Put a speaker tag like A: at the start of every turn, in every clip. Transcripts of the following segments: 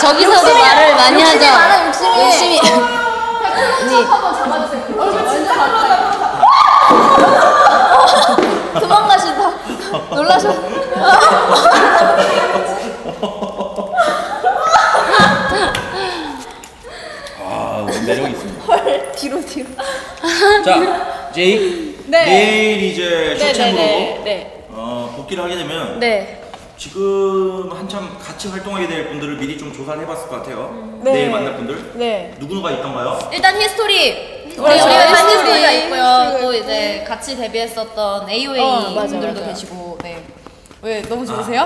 A: 저기서도 말을 많이 하죠. 열심히.
B: 한번 잡아주세요.
A: 도망가시다. 놀라셨.
C: 아, 매력 있습니다.
A: 헐, 뒤로.
C: 자, 제이.
A: 네.
C: 내일 이제 쇼챔으로
A: 네.
C: 복귀를 하게 되면
A: 네.
C: 지금 한참 같이 활동하게 될 분들을 미리 좀 조사를 해봤을 것 같아요.
A: 네.
C: 내일 만날 분들.
A: 네.
C: 누구누가 있던가요?
A: 일단 히스토리. 우리
B: 맞아요.
A: 한 히스토리가
B: 히스토리.
A: 있고요. 또 이제 같이 데뷔했었던 AOA
B: 맞아,
A: 분들도
B: 맞아.
A: 계시고. 네. 왜 너무 좋으세요?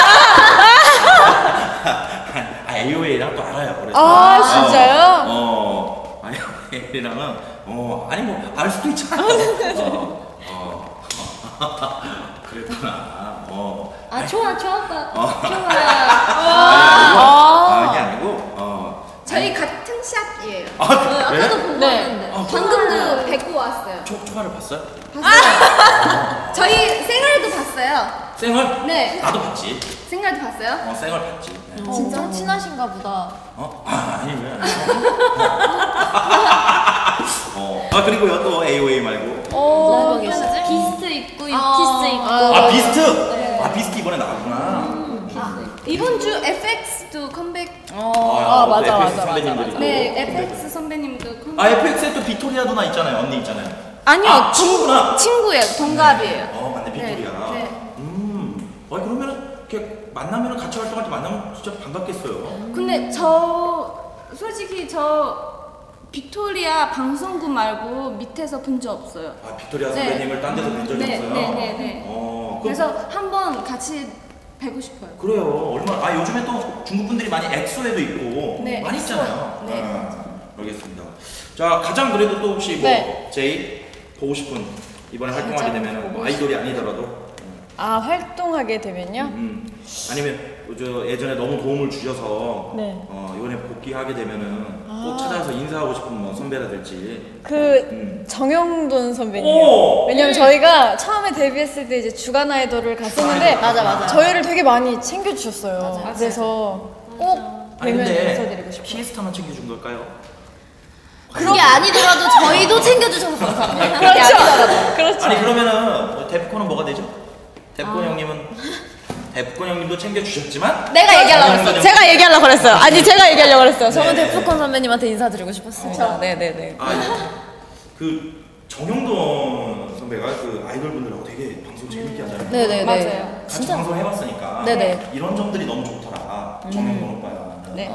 C: AOA랑 또 알아요. 그래서.
B: 아, 진짜요?
C: AOA랑은 아니 뭐 알 수도 있잖아요. 그랬구나.
A: 좋아.
C: 이게 아니고
D: 저희 같은 샵이에요.
C: 그래?
A: 아까도 보고 왔는데.
D: 방금도 뵙고 왔어요.
C: 초화를 봤어요?
D: 저희 생얼도 봤어요.
C: 생얼?
D: 네.
C: 나도 봤지.
D: 생얼도 봤어요?
C: 생얼 봤지. 네.
A: 진짜 친하신가 보다.
C: 아니 왜? 그리고요 또 AOA 말고.
A: 누가 계시지? 비스트 있고 유키스 있고.
C: 비스트. 비스트 이번에 나왔구나.
D: 이번 주 FX도 컴백.
C: 맞아.
B: 맞아.
C: 선배님들이.
D: 네, FX 선배님도 컴백.
C: FX에 또 빅토리아 누나 있잖아요. 언니 있잖아요.
D: 아니요,
C: 친구구나.
D: 친구예요. 동갑이에요.
C: 맞네 빅토리아.
D: 네.
C: 그러면은 이렇게 만나면은 같이 활동할 때 만나면 진짜 반갑겠어요.
D: 근데 저 솔직히 빅토리아 방송국 말고 밑에서 본 적 없어요.
C: 빅토리아 선배님을 딴 데서 뵌 적이 없어요?
D: 네. 그래서 한번 같이 뵈고 싶어요.
C: 그래요. 얼마나 요즘에 또 중국 분들이 많이 엑소에도 있고
D: 네,
C: 많이 있잖아요.
D: 네.
C: 알겠습니다. 자, 가장 그래도 또 혹시
A: 네.
C: 제이 보고 싶은 이번에 활동하게 되면 아이돌이 아니더라도
B: 활동하게 되면요?
C: 아니면 저 예전에 너무 도움을 주셔서
B: 네.
C: 이번에 복귀하게 되면은 꼭 찾아서 인사하고 싶은 뭐 선배라든지
B: 정영돈 선배님.
C: 오!
B: 왜냐면 저희가 처음에 데뷔했을 때 이제 주간 아이돌을 갔었는데
A: 맞아.
B: 저희를 되게 많이 챙겨주셨어요. 그래서 꼭 뵈면
C: 근데
B: 인사드리고 싶어요.
C: 피에스타만 챙겨준 걸까요?
A: 그런 게 아니더라도 저희도 챙겨주셔서 감사합니다. 그게 아니더라도.
B: 그렇죠.
C: 아니 그러면은 데프콘은 뭐가 되죠? 데프콘 형님은 데프콘 형님도 챙겨주셨지만
A: 내가 얘기하려고 했어.
B: 제가 얘기하려고 그랬어요. 제가 얘기하려고 그랬어요.
A: 저는 데프콘 선배님한테 인사드리고 싶었습니다. 네네네.
C: 그 정영돈 선배가 그 아이돌 분들하고 되게 방송 재밌게 하잖아요.
A: 네네네.
D: 맞아요.
C: 같이 방송 해봤으니까
A: 네네.
C: 이런 점들이 너무 좋더라. 정영돈 오빠가.
B: 네.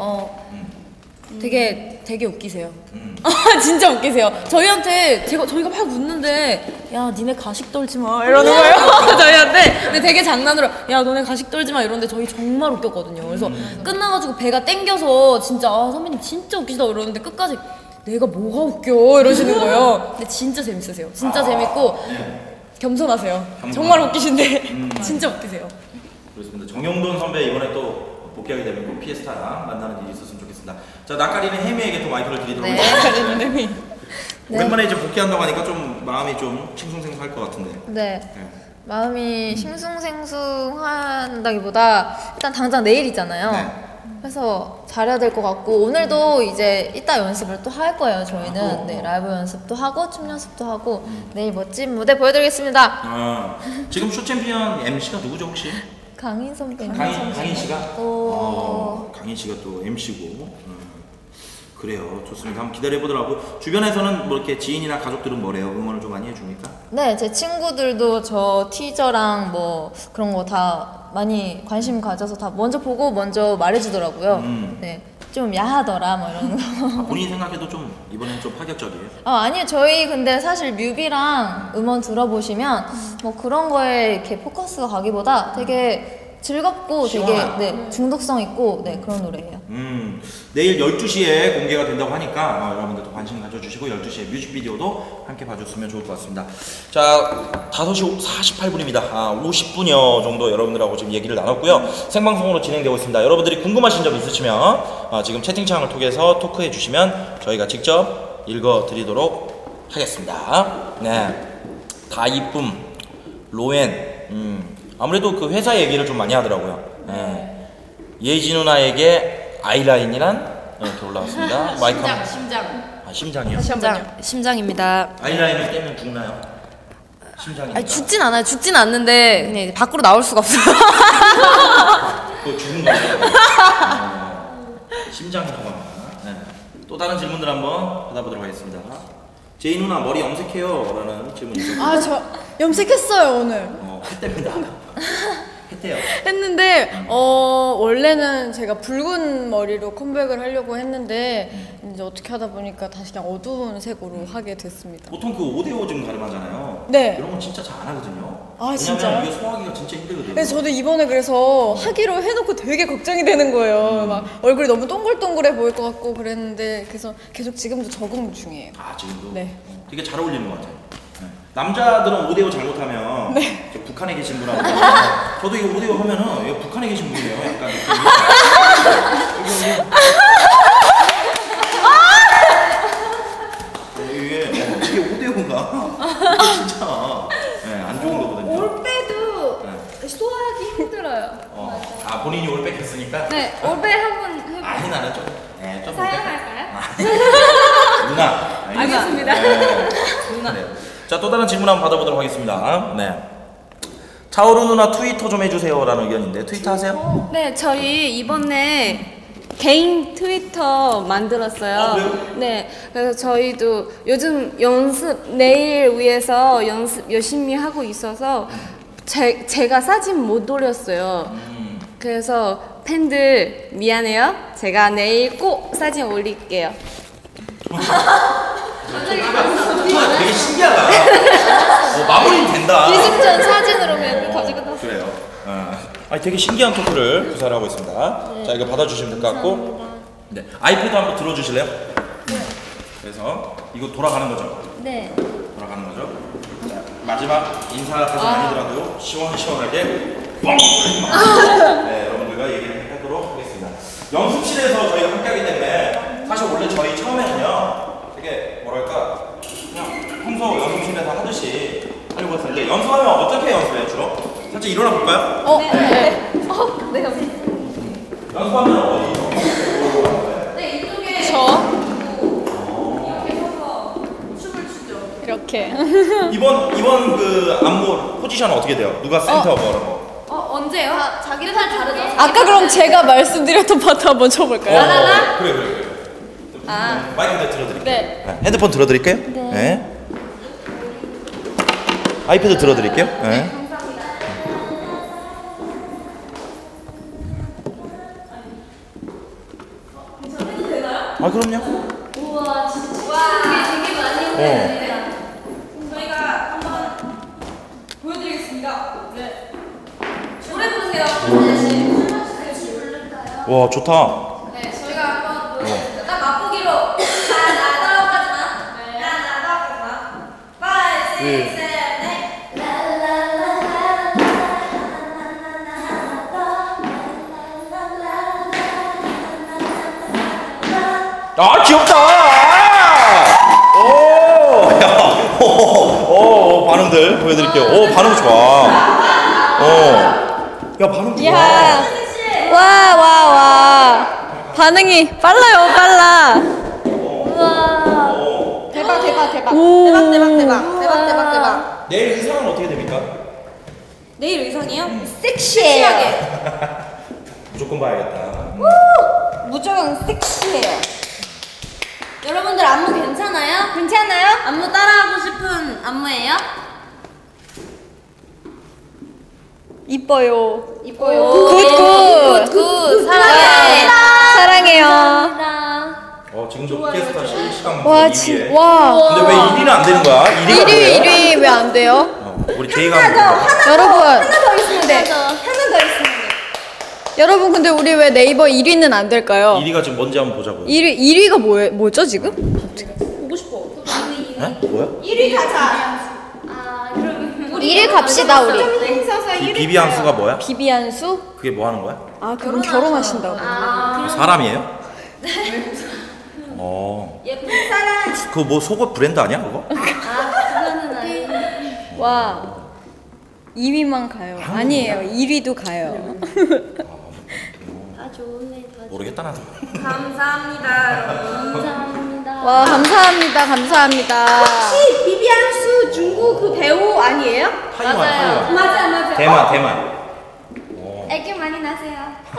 A: 되게 웃기세요.
B: 진짜 웃기세요.
A: 저희한테 저희가 막 웃는데 야 니네 가식 떨지 마 이러는 거예요. 저희한테. 근데 되게 장난으로 야 너네 가식 떨지 마 이러는데 저희 정말 웃겼거든요. 그래서 끝나가지고 배가 땡겨서 진짜 선배님 진짜 웃기시다 이러는데 끝까지 내가 뭐가 웃겨 이러시는 거예요. 근데 진짜 재밌으세요. 진짜 재밌고 겸손하세요. 정말 웃기신데 진짜 웃기세요.
C: 그렇습니다. 정영돈 선배 이번에 또 복귀하게 되면 꼭 피에스타랑 만나는 일이 있었으면 좋겠습니다. 자, 낯가리는 혜미에게 또 마이크를 드리도록 하겠습니다. 오랜만에 이제 복귀한다고 하니까 좀 마음이 좀 싱숭생숭할 것 같은데.
A: 네. 마음이 싱숭생숭한다기보다 일단 당장 내일이잖아요.
C: 네.
A: 그래서 잘해야 될 것 같고 오늘도 이제 이따 연습을 또 할 거예요. 저희는 네, 라이브 연습도 하고 춤 연습도 하고 내일 멋진 무대 보여드리겠습니다.
C: 지금 쇼챔피언 MC가 누구죠 혹시?
A: 강인 선배님.
C: 강인 씨가?
A: 오.
C: 강인 씨가 또 MC고. 그래요. 좋습니다. 한번 기다려보도록 하고 주변에서는 뭐 이렇게 지인이나 가족들은 뭐래요? 응원을 좀 많이 해줍니까?
A: 네, 제 친구들도 저 티저랑 뭐 그런 거 다 많이 관심 가져서 다 먼저 보고 먼저 말해주더라고요. 네, 좀 야하더라 뭐 이런 거.
C: 본인이 생각해도 좀 이번엔 좀 파격적이에요?
A: 아니요, 저희 근데 사실 뮤비랑 음원 들어보시면 뭐 그런 거에 이렇게 포커스가 가기보다 되게 즐겁고
C: 시원한.
A: 되게 중독성 있고 그런 노래예요.
C: 내일 12시에 공개가 된다고 하니까 여러분들도 관심 가져주시고 12시에 뮤직비디오도 함께 봐줬으면 좋을 것 같습니다. 자, 5시 48분입니다. 50분여 정도 여러분들하고 지금 얘기를 나눴고요. 생방송으로 진행되고 있습니다. 여러분들이 궁금하신 점 있으시면 지금 채팅창을 통해서 토크해 주시면 저희가 직접 읽어드리도록 하겠습니다. 네, 다 이쁨, 로엔, 아무래도 그 회사 얘기를 좀 많이 하더라고요. 네. 예지 누나에게 아이라인이란 이렇게 올라왔습니다. 마이크
A: 심장, 심장.
C: 아, 심장이요?
A: 심장입니다.
C: 아이라인을 떼면 죽나요? 심장이.
A: 아니 죽진 않아요. 죽진 않는데 그냥 이제 밖으로 나올 수가 없어요.
C: 그거 죽은 거죠. 심장이라고 합니다. 네. 또 다른 질문들 한번 받아보도록 하겠습니다. 제이 누나 머리 염색해요? 라는 질문이 있었고.
B: 아, 저 염색했어요, 오늘.
C: 했답니다. 했대요.
B: 했는데 원래는 제가 붉은 머리로 컴백을 하려고 했는데 이제 어떻게 하다 보니까 다시 그냥 어두운 색으로 하게 됐습니다.
C: 보통 그 5대5 지금 가름하잖아요.
B: 네.
C: 이런 건 진짜 잘 안 하거든요.
B: 아,
C: 왜냐면
B: 진짜요?
C: 이게 소화하기가 진짜 힘들거든요.
B: 그래서 저도 이번에 그래서 하기로 해놓고 되게 걱정이 되는 거예요. 막 얼굴이 너무 동글동글해 보일 것 같고 그랬는데 그래서 계속 지금도 적응 중이에요.
C: 아, 지금도?
B: 네.
C: 되게 잘 어울리는 것 같아요. 네. 남자들은 5대5 잘못하면
B: 네.
C: 저 북한에 계신 분하고 저도 이거 5대5 하면은 이거 북한에 계신 분이에요. 약간 이게 이게 5대5인가? 이게 진짜 안 좋은 거거든요.
D: 올빼도
C: 네.
D: 소화하기 힘들어요.
C: 아, 본인이 올 뺏겼으니까?
D: 네, 올빼 한번 해볼게요.
C: 아니, 나는 좀 좀
D: 사양할까요?
C: 누나.
D: 알겠습니다.
C: 누나. 네. 자, 또 다른 질문 한번 받아보도록 하겠습니다. 네. 차오루 누나 트위터 좀 해주세요라는 의견인데 트위터 하세요?
D: 네, 저희 이번에 개인 트위터 만들었어요.
C: 그래요?
D: 네, 그래서 저희도 요즘 내일 위해서 연습 열심히 하고 있어서 제가 사진 못 올렸어요. 그래서 팬들 미안해요. 제가 내일 꼭 사진 올릴게요.
C: 되게 신기하다. 마무리 된다.
D: 기습전 사진으로 가지고 나서.
C: 그래요. 아니, 되게 신기한 토크를 구사를 하고 있습니다. 자, 이거 받아주시면 될 것 같고. 네. 아이패드 한번 들어주실래요? 네. 그래서 이거 돌아가는 거죠?
D: 네.
C: 돌아가는 거죠? 자, 마지막 인사까지 아니더라도 시원시원하게 뻥! 네, 여러분들과 얘기를 하도록 하겠습니다. 연습실에서 저희가 함께하기 때문에 사실 원래 저희 처음에는요 되게 뭐랄까 그냥 평소 연습실에서 하듯이 하려고 했었는데 연습하면 어떻게 연습해요 주로? 살짝 일어나 볼까요?
D: 네. 네.
C: 연습하면 어디?
D: 네, 이쪽에
B: 저
D: 이렇게 서서 춤을 추죠.
B: 이렇게.
C: 이번 그 안무 포지션은 어떻게 돼요? 누가 센터 뭐라고?
D: 언제요? 자기들 다 다르죠.
B: 아까 그럼 제가 말씀드렸던 파트 한번 쳐볼까요?
C: 그래. 마이크 들어드릴게요.
B: 네.
C: 핸드폰 들어드릴게요? 네. 아이패드 들어드릴게요? 네. 아, 그럼요.
D: 우와, 진짜 되게 많이 했는데.
A: 저희가 한번 보여드리겠습니다. 네. 노래 부르세요.
C: 와, 좋다.
A: 네, 저희가 한번 보여드리겠습니다. 딱 맛보기로. 나다까지만. 나다까지만. 5, 6, 7, 8.
C: 아, 귀엽다! 오! 야, 오, 반응들 보여드릴게요. 오, 반응 좋아. 야, 반응 좋아.
B: 야. 와. 반응이 빨라요, 빨라.
A: 대박.
B: 오.
A: 대박.
C: 내일 의상은 어떻게 됩니까?
A: 내일 의상이요?
B: 섹시해요.
C: 무조건 봐야겠다.
A: 무조건 섹시해요. 여러분들 안무 괜찮아요? 괜찮아요? 안무 따라하고 싶은 안무예요?
B: 이뻐요.
A: 이뻐요.
B: 굿. 사랑해요.
C: 지금도 피에스타 실시간
B: 와,
C: 2위에.
B: 와.
C: 근데 왜 1위는 안 되는 거야? 1위가 뭐예요?
B: 1위 왜 안 돼요?
C: 우리 제이가 한번
B: 여러분.
A: 더 있으면 돼.
B: 여러분 근데 우리 왜 네이버 1위는 안 될까요?
C: 1위가 지금 뭔지 한번 보자고요.
B: 1위가 뭐죠 지금?
A: 보고 싶어.
C: 네? 뭐야?
A: 1위 가자.
B: 1위 갑시다 우리.
C: 비비안수가 뭐야?
B: 비비안수?
C: 그게 뭐 하는 거야?
B: 아 그럼 결혼하신다고.
C: 사람이에요?
A: 예쁜 사람.
C: 그거 뭐 속옷 브랜드 아니야 그거?
A: 그거는 아니.
B: 와 2위만 가요. 아니에요 1위도 가요.
C: 모르겠다 나도.
A: 감사합니다, 여러분.
D: 감사합니다.
B: 와 감사합니다 감사합니다.
D: 혹시 비비안수 중국 그 배우 아니에요?
C: 타이완.
D: 맞아요.
C: 대만.
D: 애교 많이 나세요.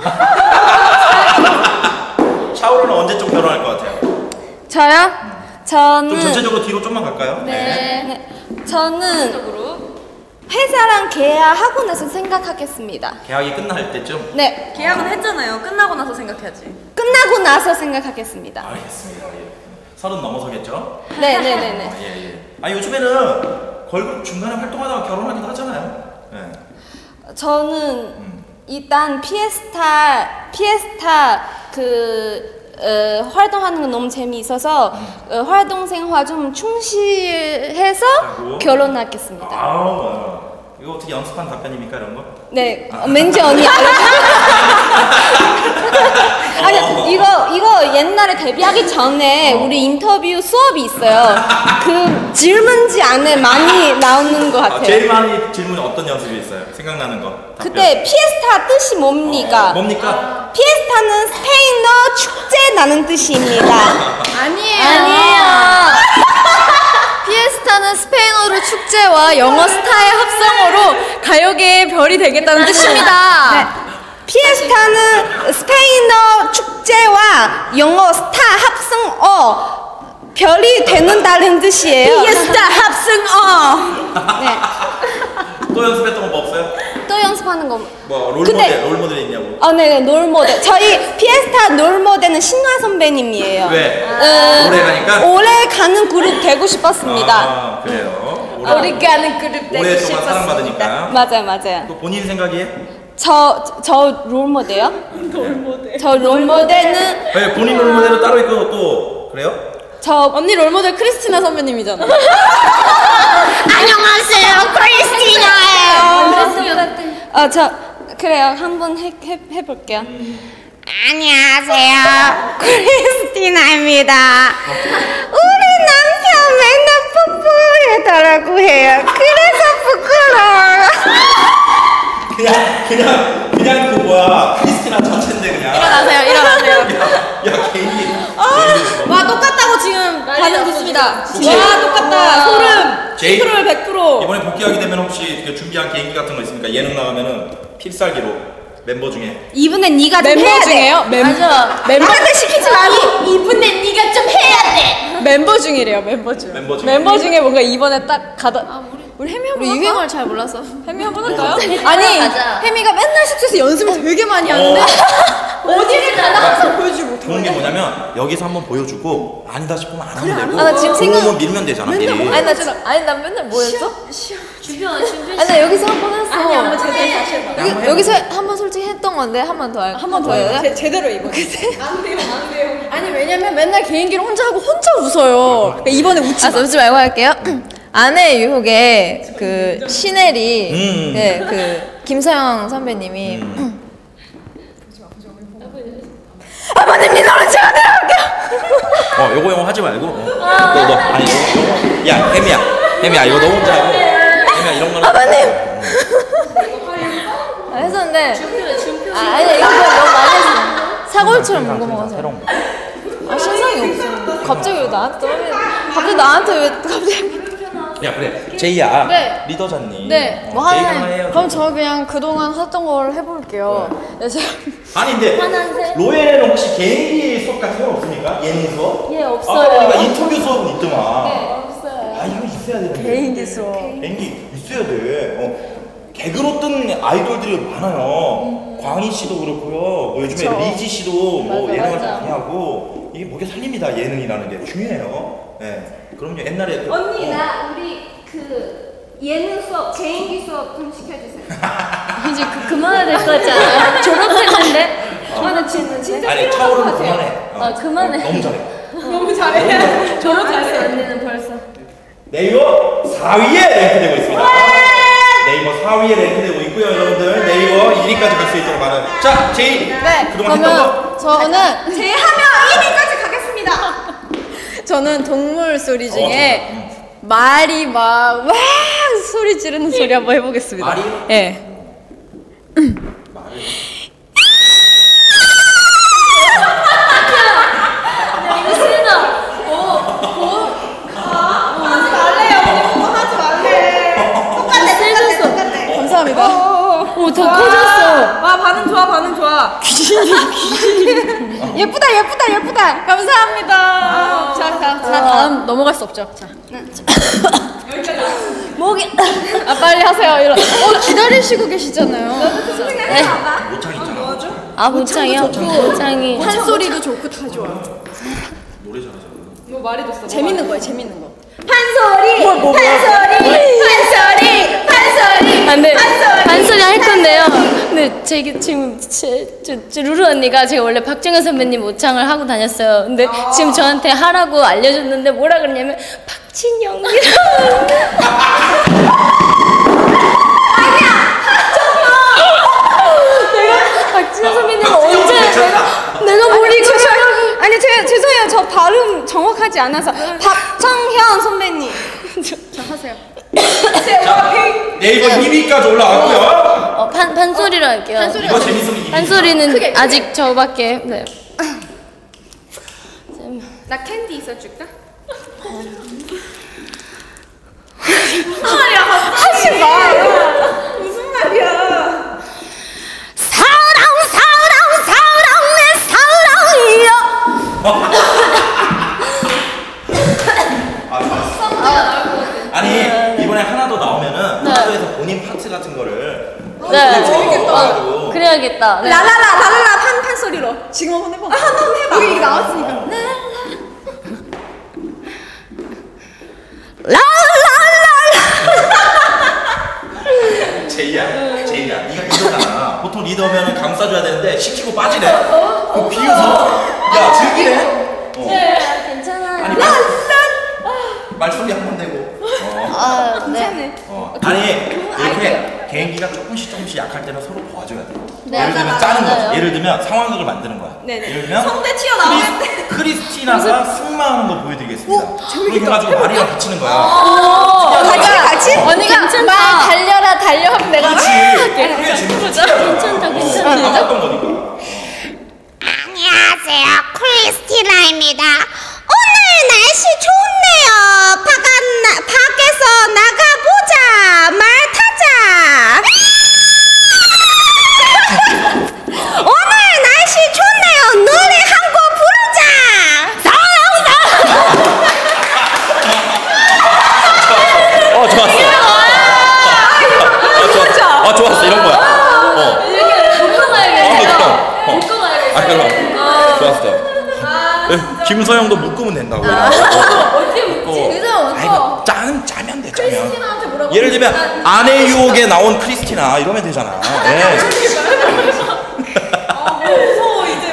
C: 샤오루는 언제쯤 결혼할 것 같아요?
D: 저요?
C: 좀
D: 저는
C: 전체적으로 뒤로 좀만 갈까요?
D: 네. 저는 회사랑 계약하고 나서 생각하겠습니다.
C: 계약이 끝날 때쯤.
D: 네.
A: 계약은 했잖아요. 끝나고 나서 생각해야지.
D: 끝나고 나서 생각하겠습니다.
C: 알겠습니다. 예. 30 넘어서겠죠?
D: 네네네네.
C: 예. 아 요즘에는 걸그룹 중간에 활동하다가 결혼하기도 하잖아요. 예.
D: 저는 일단 피에스타 활동하는 거 너무 재미있어서 활동 생활 좀 충실해서
C: 하고?
D: 결혼하겠습니다.
C: 이거 어떻게 연습한 답변입니까 이런 거?
D: 네, 멘지 언니 아니 이거 옛날에 데뷔하기 전에 우리 인터뷰 수업이 있어요. 그 질문지 안에 많이 나오는 것 같아요.
C: 제일 많이 질문이 어떤 연습이 있어요? 생각나는 거. 답변.
D: 그때 피에스타 뜻이 뭡니까?
C: 뭡니까?
D: 피에스타는 스페인어 축제라는 뜻입니다.
B: 아니에요. 피에스타는 스페인어로 축제와 영어 스타의 합성어로 가요계의 별이 되겠다는 뜻입니다.
D: 네. 피에스타는 스페인어 축제와 영어 스타 합성어 별이 되는다는 뜻이에요.
A: 피에스타 합승어.
D: 네.
C: 또 연습했던 거 뭐 없어요?
D: 또 연습하는 거.
C: 뭐
D: 근데-
C: 롤모델 있냐고?
D: 네, 롤모델. 저희 피에스타 롤모델은 신화 선배님이에요.
C: 왜? 오래 가니까?
D: 오래 가는 그룹 되고 싶었습니다.
C: 아 그래요.
A: 우리 가는 그룹 되고
C: 오랫동안
A: 싶었습니다.
C: 사랑받으니까.
D: 맞아요.
C: 또 본인 생각이에요?
D: 저 롤모델요? 저 롤모델은
C: 네, 본인 롤모델은 따로 있고 또 그래요?
D: 저
A: 언니 롤모델 크리스티나 선배님이잖아.
D: 안녕하세요, 크리스티나예요. 저 그래요. 한번 해볼게요. 안녕하세요, 크리스티나입니다. 우리 남편 맨날 뽀뽀해달라고 해요. 그래서 부끄러워요.
C: 그냥 그 뭐야 크리스티나 전체인데 그냥.
A: 일어나세요.
C: 야 개인기.
A: 와 똑같다고 지금 반응 좋습니다.
C: 혹시-
A: 와 똑같다. 소름.
C: 제이-
A: 100%.
C: 이번에 복귀하게 되면 혹시 그 준비한 개인기 같은 거 있습니까? 예능 나가면은 필살기로 멤버 중에.
D: 이분의 네가 좀
B: 멤버
D: 해야
B: 중에요?
D: 돼.
A: 맞아.
D: 나한테 시키지 말고 이분의 네가 좀 해야 돼.
B: 멤버 중이래요. 멤버 중.
C: 멤버 중에.
B: 중에 뭔가 이번에 딱 가다. 우리 혜미 한번
A: 우리
B: 할까?
A: 유행어를 잘 몰라서.
B: 혜미 한번 할까요?
A: 아니
B: 아니 혜미가 맨날 숙소에서 연습을 되게 많이 하는데 어디를 가나 항상 보여주지 못해.
C: 좋은 게 뭐냐면 여기서 한번 보여주고 아니다 싶으면 안 하면 되고.
A: 아, 나 지금 생각-
C: 그러면 밀면 되잖아 미리.
A: 난 맨날 뭐 했어?
B: 아니 나 여기서 한 번 했어.
A: 아니 한번 제대로 다시 해봐.
B: 여기서 한 번 솔직히 했던 건데 한 번 더 할까? 한 번 더 해요? 제대로 이거. 안 돼요. 아니 왜냐면 맨날 개인기를 혼자 하고 혼자 웃어요. 그러니까 이번에 웃지 마.
A: 웃지 말고 할게요. 아내 유혹에 그 시넬이 네, 그 김서영 선배님이 아버님 민호는 제가 내려갈게요.
C: 요거 하지 말고. 너 아니 요거. 야 혜미야 이거 너 혼자 하고. 혜미야 이런 거는.
A: 아버님. 했었는데 아니 이거 너무 많이 했어. 사골처럼 먹어 먹어서.
C: 새로운 거.
A: 신상이 없어. 갑자기 왜 나한테 떨어지는? 갑자기 나한테 왜 갑자기?
C: 야 그래 제이야.
B: 네.
C: 리더잖니.
B: 네.
A: 뭐
C: 제이가
A: 하나요?
C: 하나 해요.
B: 그럼 저 그냥 그동안 하던 걸 해볼게요. 네, 제가
C: 아니 근데 로엘에는 혹시 개인기 수업 같은 건 없습니까? 예능 수업?
A: 예, 없어요.
C: 아까 보니까 인터뷰 수업은 있더만.
A: 없어요.
C: 아 이거 있어야 되는데.
B: 개인기 수업.
C: 개인기 있어야 돼. 개그로 뜬 아이돌들이 많아요. 광희 씨도 그렇고요. 뭐 요즘에
B: 그쵸.
C: 리지 씨도 뭐
B: 맞아,
C: 예능을
B: 맞아.
C: 많이 하고 이게 목에 살립니다. 예능이라는 게 중요해요. 네. 그럼요. 옛날에 그-
D: 언니 나 우리 그 예능 수업 개인기 수업 좀 시켜주세요.
A: 이제 그만해야 될 것 같지 않아요? 졸업했는데?
D: 나 진짜
C: 아니
D: 필요한 것
C: 차오르는
D: 같아요.
C: 그만해.
A: 그만해.
C: 너무 잘해.
D: 너무 잘해.
A: 졸업했어요 언니는 벌써.
C: 네이버 4위에 랭크되고 있습니다. 네이버 4위에 랭크되고 있고요, 여러분들. 네이버 1위까지 갈 수 있도록 많은. 자, 제이.
B: 네.
C: 그동안 했던 거.
B: 그러면 저는
D: 제하면 1위까지 가겠습니다.
B: 저는 동물 소리 중에 말이 막 소리 지르는 소리 한번 해보겠습니다.
C: 말이요?
B: 예.
A: 대박.
D: 오, 더 커졌어.
A: 와, 반응 좋아, 반응 좋아.
B: 예쁘다. 감사합니다. 자, 다음 넘어갈 수 없죠. 자.
A: 목이.
B: 아, 빨리 하세요. 기다리시고 계시잖아요.
C: 모창 있잖아.
D: 아, 모창이요? 모창이.
B: 판소리도 좋고 다 좋아.
C: 노래 잘하잖아.
A: 뭐 말해줬어.
B: 재밌는 거.
A: 판소리! 판소리!
D: 아, 네. 반소리 할 건데요. 근데 지금 제 루루 언니가 제가 원래 박정현 선배님 모창을 하고 다녔어요. 근데 지금 저한테 하라고 알려줬는데 뭐라 그러냐면 박진영이라고. 박진영 선배님 언제 내가 모르고
B: 아니, 죄송해요. 저 발음 정확하지 않아서. 박정현 선배님. 자, 하세요.
C: 네이버 2위까지 올라왔고요.
D: 판소리로 할게요.
C: 이거 재밌으면 2위.
D: 판소리는 아직 저밖에. 네.
B: 나 캔디 있어줄까?
D: 사랑 내 사랑이여.
C: 아니 이번에 하나 더 나오면은 하나도에서 본인 파트 같은 거를
D: 재밌겠다. 그래야겠다. 네.
B: 라라라 판소리로. 지금 한번 해봐. 한번 해봐. 여기 나왔으니까.
C: 제이야 네가 리더잖아. 보통 리더면은 감싸줘야 되는데 시키고 빠지네. 그 비웃어. 야 즐기네.
D: 괜찮아요.
C: 아니 말소리 한 번 내고.
D: 네.
C: 아니 이렇게 개인기가 조금씩 약할 때는 서로 도와줘야 돼.
D: 네,
C: 예를 들면 짜는 거지. 예를 들면 상황극을 만드는 거야. 예를 들면
A: 성대 튀어나오는데.
C: 크리스티나가 승마하는 거 보여드리겠습니다. 그렇게 해가지고 말이랑 붙이는 거야.
B: 같이? 언니가
D: 괜찮다.
B: 말 달려 하면 내가
C: 그렇지. 그게 재밌지.
D: 괜찮다.
C: 나빴던 거니까.
E: 안녕하세요. 크리스티나입니다. 오늘 날씨 좋네요. 밖에서 나가보자. 말 타자. 오늘 날씨 좋네요. 노래 한 곡 부르자.
C: 좋았어. 좋았어. 이런 거야.
D: 묶어 가야겠다.
C: 묶어
D: 가야겠다.
C: 좋았어. 김서영도 묶으면 된다고.
D: 어떻게 묶지?
C: 아이고 짜면 돼. 짜면. 예를 들면 아내 유혹에 나온 크리스티나 이러면 되잖아. 예.
A: 무서워, 이제.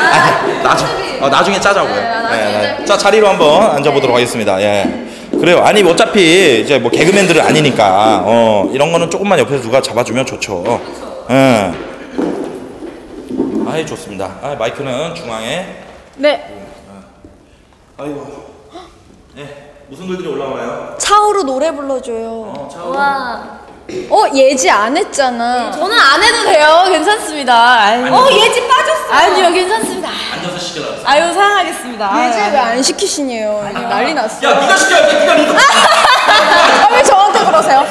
C: 나중에 짜자고요. 네. 자 자리로 한번 앉아보도록 하겠습니다. 예. 그래요. 아니 어차피 이제 뭐 개그맨들은 아니니까 이런 거는 조금만 옆에서 누가 잡아주면 좋죠. 예. 아이 좋습니다. 마이크는 중앙에.
B: 네.
C: 아이고. 네. 무슨 글들이 올라와요?
B: 차오로 노래 불러줘요.
D: 와.
B: 예지 안 했잖아.
A: 저는 안 해도 돼요. 괜찮습니다.
C: 예지
A: 빠졌어. 아니요, 괜찮습니다.
C: 앉아서 시켜라.
A: 아유, 사랑하겠습니다.
B: 예지 왜 안 시키시네요. 난리 났어.
C: 야 네가 시켜야지. 네가 리더.
B: 왜 저한테 그러세요?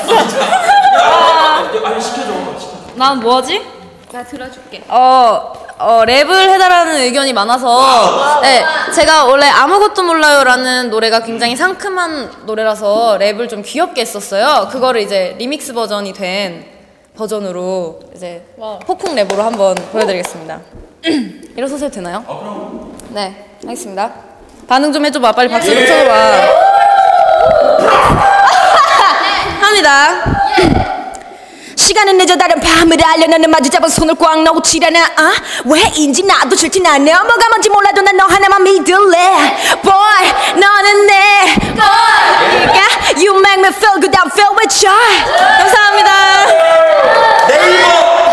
C: 아니 시켜줘.
A: 난 뭐하지?
B: 나 들어줄게.
A: 랩을 해달라는 의견이 많아서, 네, 제가 원래 아무것도 몰라요라는 노래가 굉장히 상큼한 노래라서 랩을 좀 귀엽게 했었어요. 그거를 이제 리믹스 버전이 된 버전으로 이제 폭풍 랩으로 한번 보여드리겠습니다. 일어서셔도 되나요?
C: 그럼.
A: 네, 하겠습니다. 반응 좀 해줘봐. 빨리 박수 좀 쳐줘봐. 합니다.
E: 시간은 늦어 다른 밤을 알려 너는 마주 잡은 손을 꽉 놓치려나 왜인지 나도 싫진 않네 뭐가 뭔지 몰라도 난 너 하나만 믿을래 Boy 너는 내 boy You make me feel good I feel with you
A: 감사합니다.
C: 네이버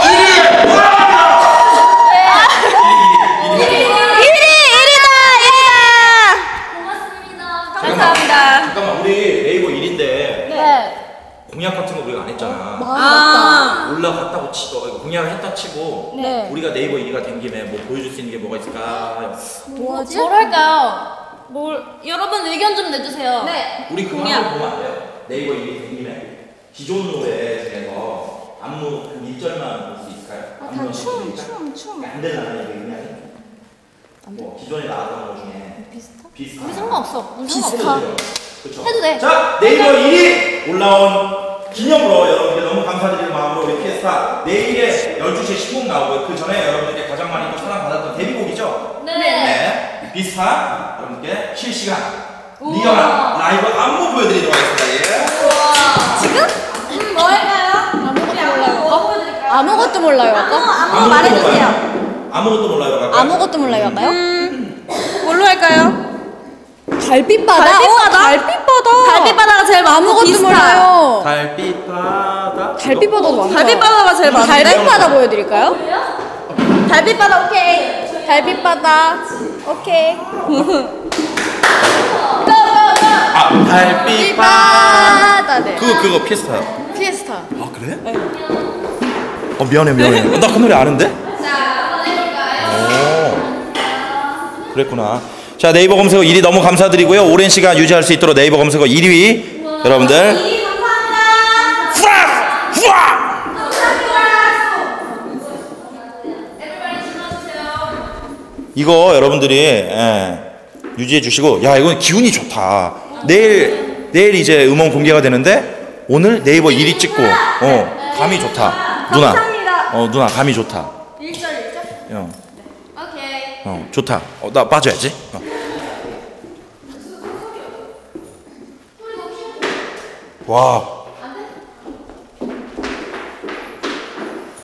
E: 1위다
A: 감사합니다.
C: 잠깐만 우리 네이버 1인데
D: 네.
C: 공약 같은 거 우리가 안 했잖아. 올라갔다고 치고 공약을 했다 치고 우리가 네이버 1위가 된 김에 뭐 보여줄 수 있는 게 뭐가 있을까?
D: 뭐지?
A: 뭘 할까요? 여러분 의견 좀 내주세요.
D: 네.
C: 우리 그거 한번 보면 안 돼요? 네이버 1위 된 김에 기존 노래 중에서 안무 한 1절만 볼 수 있을까요?
D: 다 춤.
C: 안 되나요, 이게 그냥? 뭐 기존에 나왔던 것 중에 비슷한.
A: 우리 상관없어. 우리
C: 비슷해도
A: 상관없어.
C: 돼요. 그렇죠.
A: 해도 돼.
C: 자, 네이버 1위 올라온 기념으로 여러분께 너무 감사드리는 마음으로 우리 피에스타 내일에 12시에 신곡 나오고요. 그 전에 여러분들께 가장 많이 또 사랑받았던 데뷔곡이죠.
A: 네.
C: 비스타 여러분께 실시간 리얼한 라이브 안무 보여드리도록 하겠습니다. 예.
A: 지금? 뭐 할까요?
B: 아무것도 몰라요.
A: 안무 말해주세요.
C: 아무것도 몰라요. 갈까요?
B: 아무것도 몰라요. 할까요?
A: 뭘로 할까요?
B: 달빛바다.
A: 달빛바다?
B: 달빛바다.
A: 달빛바다가 제일 많고
B: 아무것도
A: 비슷하.
B: 몰라요.
C: 달빛바다.
B: 달빛바다도 많다.
A: 달빛바다가 제일 많은데?
B: 달빛바다 보여드릴까요?
A: 달빛바다 오케이.
B: 달빛바다. 오케이.
C: 아, 달빛바다.
B: 바다. 네.
C: 그거 피에스타요.
B: 피에스타.
C: 아 그래? 미안해. 나 그 노래 아는데? 오, 그랬구나. 자, 네이버 검색어 1위 너무 감사드리고요. 오랜 시간 유지할 수 있도록 네이버 검색어 1위 여러분들.
A: 1위 감사합니다.
C: 후아! 이거 여러분들이 유지해 주시고, 야 이건 기운이 좋다. 내일 이제 음원 공개가 되는데 오늘 네이버 1위 찍고 감이 좋다. 누나.
A: 감사합니다.
C: 누나 감이 좋다.
A: 1절. 오케이.
C: 좋다. 나 빠져야지. 와.